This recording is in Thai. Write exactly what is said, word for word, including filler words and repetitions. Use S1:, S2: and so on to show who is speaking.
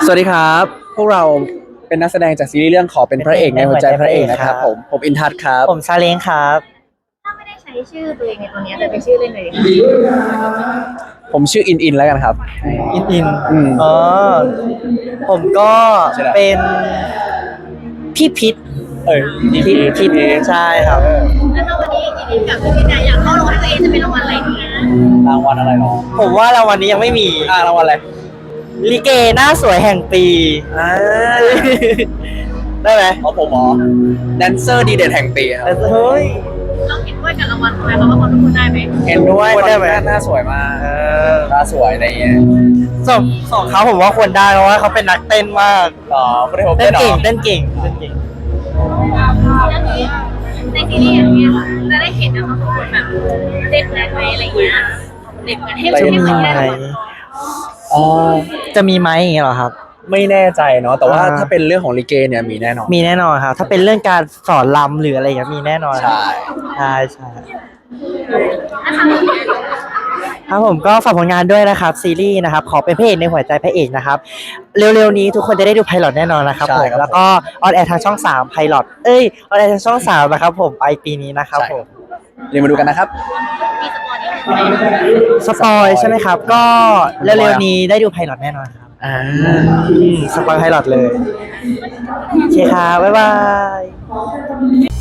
S1: สวัสดีครับพวกเราเป็นนักแสดงจากซีรีส์เรื่องขอเป็นพระเอกในหัวใจพระเอกนะครับผมผมอินทัศน์ครับ
S2: ผมซาเล้งครับ
S3: ถ้าไม่ได้ใช้ชื่อตัวเองในตัวนี้แต่เป็นชื่อเล่นเลย
S1: ผมชื่ออินอินแล้วกันครับ
S2: อินอิน
S1: อืม
S2: อ๋อผมก็เป็นพี่พิษ
S1: เออ
S2: พี่พิษใช่ครับ
S3: แล้วถ้าวันนี้อินกับพี่นายอยากเข้ารางวัลตัวเองจะเป็นรางวัลอะไรดีนะ
S1: รางวัลอะไรหรอ
S2: ผมว่ารางวัลนี้ยังไม่มี
S1: อ่ารางวัลอะไร
S2: ลิเกหน้าสวยแห่งปี
S1: อ่า
S2: ได้ไหม
S1: เอาผมหมอแดนเซอร์ดีเด่นแห่งปีครับ
S2: เฮ้ย
S3: เราเห็นด้วยกับรางวัลไหมเราว่าคนทุกคนได้ไหม
S1: เห็นด้วยคนได้ไหมหน้าสวยมากหน้าสวยอะไรเงี้ย
S2: สองสองเขาผมว่าควรได้เพราะว่าเขาเป็นนักเต้นมาก
S1: อ๋อไม่ได้ผม
S2: เต้นเก่งเต้นเก่งเต้นเก่ง
S3: แล้วนี้ในซีรีส์อย่างเงี้ยจะได้เห็นนะคะทุกคนแบบเต้นแรงไหมอะไรเงี้ยเด็กเหมือนให้เราให้เหมือนได้
S1: อ๋อ
S2: จะมีไหมอย่างเงี้ยเหรอครับ
S1: ไม่แน่ใจเนาะแต่ว่าถ้าเป็นเรื่องของลิเกเนี่ยมีแน่นอน
S2: มีแน่นอนครับถ้าเป็นเรื่องการสอนรำหรืออะไรอย่างเงี้ยมีแน่นอน
S1: ใช่
S2: ใช่ใช่ครับผมก็ฝากผลงานด้วยนะครับซีรีส์นะครับขอเป็นพระเอกในหัวใจพระเอกนะครับเร็วๆนี้ทุกคนจะได้ดูไพลอตแน่นอนนะครับผมแล้วก็ออนแอร์ทางช่องสามไพลอตเอ้ยออนแอร์ทางช่องสามนะครับผมปลายปีนี้นะครับผม
S1: เรียนมาดูกันนะครับ
S3: มีสป
S2: สป
S3: อร์ต
S2: อยใช่ไหมครับก็เร็วๆนี้ได้ดูไพลอตแน่นอนครับ
S1: อ่า
S2: สปอยไพลอตเลยโอเคครับบ๊ายบาย